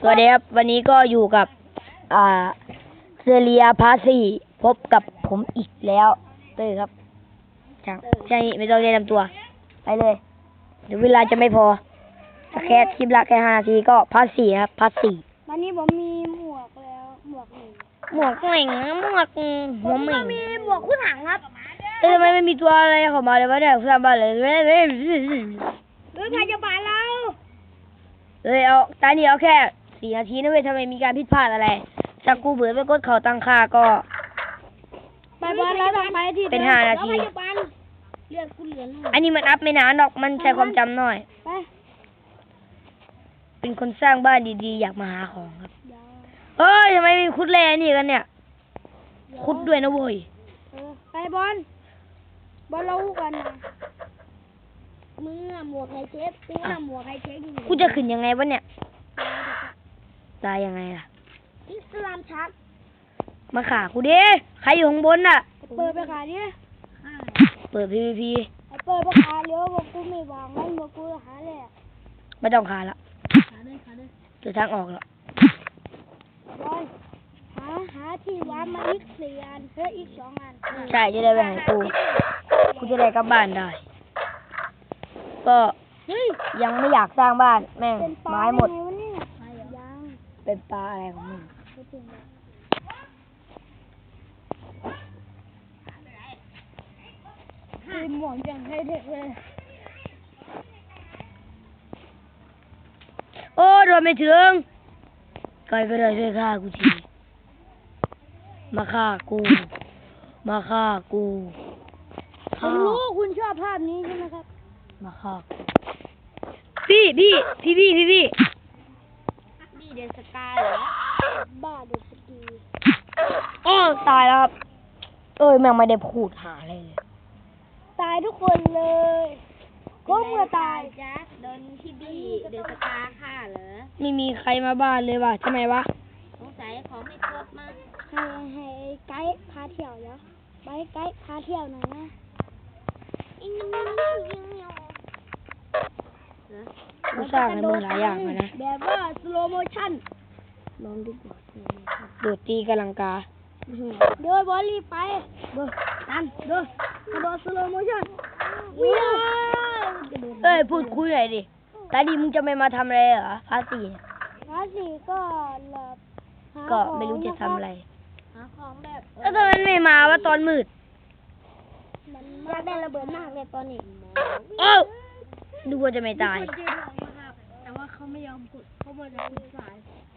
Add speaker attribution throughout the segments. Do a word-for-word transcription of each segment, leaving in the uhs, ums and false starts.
Speaker 1: วัสดีครับวันนี้ก็อยู่กับอ่าเซเรียพาสีพบกับผมอีกแล้วเต้ยครับช่างใช่ไม่ต้องแนะนำตัวไปเลยเดี๋ยวเวลาจะไม่พอแค่คลิปละแค่ห้านาทีก็พาสีครับพาสี
Speaker 2: วันนี้ผมมีหมวกแล้วหมวกหนึ่ง
Speaker 1: หมวกเหม่งหมวกหัวเหม่ง
Speaker 2: มีหมวกคู่ถังครับ
Speaker 1: เอ้ยทำไมไม่มีตัวอะไรเข้ามาเลยวะเนี่ยสร้างบ้านเลยเฮ้ยเฮ้ย
Speaker 2: หรือใครจะบานเรา
Speaker 1: เฮ้ยเอาตานี่เอาแค่สี่นาทีนะเว้ยทำไมมีการผิดพลาดอะไรถ้ากูเบื่อไปกดเขาตั้งค่าก็
Speaker 2: ไปบอลแล้วทำไมที่
Speaker 1: เป็นห้านาที
Speaker 2: แล้วใครจะบานเลือดกูเหลือหน่อย
Speaker 1: อันนี้มันอัพไม่นานหรอกมันใช้ความจำน้อย
Speaker 2: ไป
Speaker 1: เป็นคนสร้างบ้านดีๆอยากมาหาของครับ
Speaker 2: เดี๋ยว
Speaker 1: เฮ้ยทำไมมีคุดแร่นี่กันเนี่ย คุดด้วยนะเว้ย
Speaker 2: เออไปบอลบอลเรากันนะมึงอะหมวกไฮเช็คกูอะหมวกไฮเช็คอยู่
Speaker 1: กูจะขึ้นยังไงวะเนี่ย ตายยังไงล่ะ
Speaker 2: อิสลามชัก
Speaker 1: มาขากูดิใครอยู่ข้างบนน่ะ
Speaker 2: เปิดไปขายดิ
Speaker 1: เปิด พี วี พี
Speaker 2: ไอ้เปิดไปขายเดี๋ยวบอกกูไม่วางงั้นบอกกูหาเลย
Speaker 1: ไม่ต้องขาละ
Speaker 2: ขาเลยขาเลย
Speaker 1: เจอทางออกแล้ว
Speaker 2: บอลหาหาที่วางมาอีกสี่อันเฮ้ยอีกสองอัน
Speaker 1: ใช่จะได้ไปหากูกูจะได้กลับบ้านได้ ก็
Speaker 2: เฮ้ย
Speaker 1: ยังไม่อยากสร้างบ้านแม่ง
Speaker 2: เป็นปลา
Speaker 1: ไม้หมด
Speaker 2: ได้ไงวะเนี่ยยัง
Speaker 1: เป็นปลาอะไรของมึง
Speaker 2: ไม่ถึงเลยคือหมวกอย่างให้เด็กเลย
Speaker 1: โอ้โดนไม่ถึงใครก็ได้ช่วยฆ่ากูทีมาฆ่ากู มาฆ่ากู
Speaker 2: ผ
Speaker 1: ฆ่าม
Speaker 2: รู้คุณชอบภาพนี้ใช่ไหมครับ
Speaker 1: มาฆ่ากูพี่พี่พี่พี่พี่พี่
Speaker 2: นี่เดนสกายเหรอบ้าเดนสกี
Speaker 1: โอ้ตายแล้วครับเอ้ยแม่งไม่ได้พูดหาอะไรเลย
Speaker 2: ตายทุกคนเลยก็เมื่อตาย
Speaker 3: จ๊ะโดนพี่บี้เดือดสตาร์ฆ่าเหรอ
Speaker 1: ไม่มีใครมาบ้านเลยว่ะทำไมวะ
Speaker 3: สงสัยของไม่ครบมั้ง
Speaker 2: ให้ให้ไกด์พาเที่ยวเดี๋ยวไปไกด์พาเที่ยวหน่อยนะ
Speaker 3: อิงอิงอิงอิงอิงอิง
Speaker 1: กูสร้างให้มึงหลายอย่างเลยนะ
Speaker 2: แบบว่าสโลโมชั่น
Speaker 1: ลองดีกว่าโดดตีกำลังกา
Speaker 2: เดินบอลรีบไปเดินนั่นเดินกระโดดสโลโมชั่นวิ่ง
Speaker 1: เอ้ยพูดคุยหน่อยดิตาดีมึงจะไม่มาทำอะไรเหรอภาษีเนี่ย
Speaker 2: ภาษีก็หลับหา
Speaker 1: ก็
Speaker 2: ของ
Speaker 1: ไม่รู้จะทำอะไร
Speaker 3: หาของแบบ
Speaker 1: แล้วทำไมไม่มาวะตอนมืด
Speaker 2: มันอยากได้ระเบิดมากเลยตอนนี้
Speaker 1: โอ้ดูว่าจะไม่ตาย
Speaker 3: แต่ว่าเขาไม่ยอมกดเขาบอกจะขุดสาย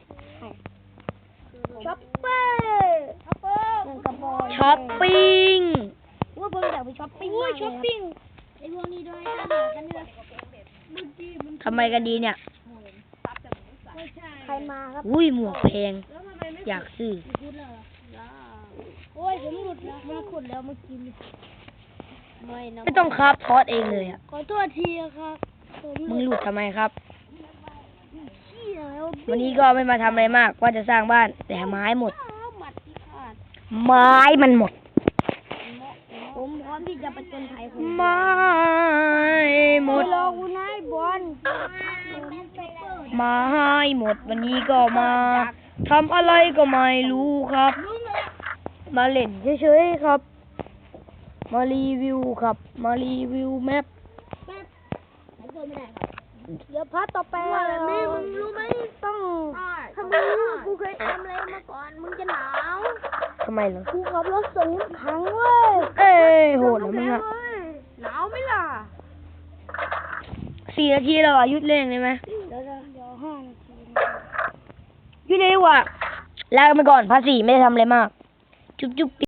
Speaker 2: ช็อปเปอร์ช็อปเปอร์เงินกระบอก
Speaker 1: ช้อปปิ้ง
Speaker 2: ว่าเพิ่งอยากไปช้อปปิ้ง
Speaker 3: โอ้
Speaker 2: มาย กเลย
Speaker 3: ช้อปปิ้งไอ้พวกนี้ด้วยกันเหมือนกันเลยเมื่อกี้มัน
Speaker 1: ทำไมกันดีเนี่ย
Speaker 3: ไม่ใช่
Speaker 2: ใครมาครับ
Speaker 1: อุ้ยหมวกแพง
Speaker 3: แล้วทำไมไม่
Speaker 1: อยากซื้อ
Speaker 3: ขุดเลยล่ะ
Speaker 2: โอ้ยผมหลุดแล้วมันขุดแล้วเมื่อกี้นี้
Speaker 3: ไม่นะ
Speaker 1: ไม่ต้องคราฟทอดเองเลยอ่ะ
Speaker 2: ขอโทษทีครับผม
Speaker 1: มึงหลุดทำไมครับ
Speaker 2: ขี้แล้ว
Speaker 1: วันนี้ก็ไม่มาทำอะไรมากว่าจะสร้างบ้าน แต่ไม้หมด
Speaker 3: อ้าวหมัดที่ขาด
Speaker 1: ไม้มันหมด
Speaker 2: ผมพร้อมที่จะประจนภัยคุณ
Speaker 1: ไม้หมด
Speaker 2: รอคุณนายบอล
Speaker 1: ไม้หมดวันนี้ก็มาทำอะไรก็ไม่รู้ครับ มาเล่นเฉยๆครับ มารีวิวครับ มารีวิวแมป
Speaker 2: เดี๋ยวพัดต่อไปว่าแบบนี้มึงรู้ไหมต้องถ้ามึงรู้กูเคยทำอะไรมาก่อนมึงจะหนาว
Speaker 1: ทำไมเหรอ
Speaker 2: กูขับรถส่งน้ำพังเว้ย
Speaker 1: เอ้ยโหดนะมึงอะ
Speaker 2: หนาวไหมล่ะ
Speaker 1: สี่นาทีแล้วอ่ะหยุดเล่นเลยไหม
Speaker 2: เดี๋ยวเดี๋ยวห้านาที
Speaker 1: หยุดเลยดีกว่าลาไปก่อนภาษีไม่ได้ทำอะไรมาก จุ๊บจุ๊บ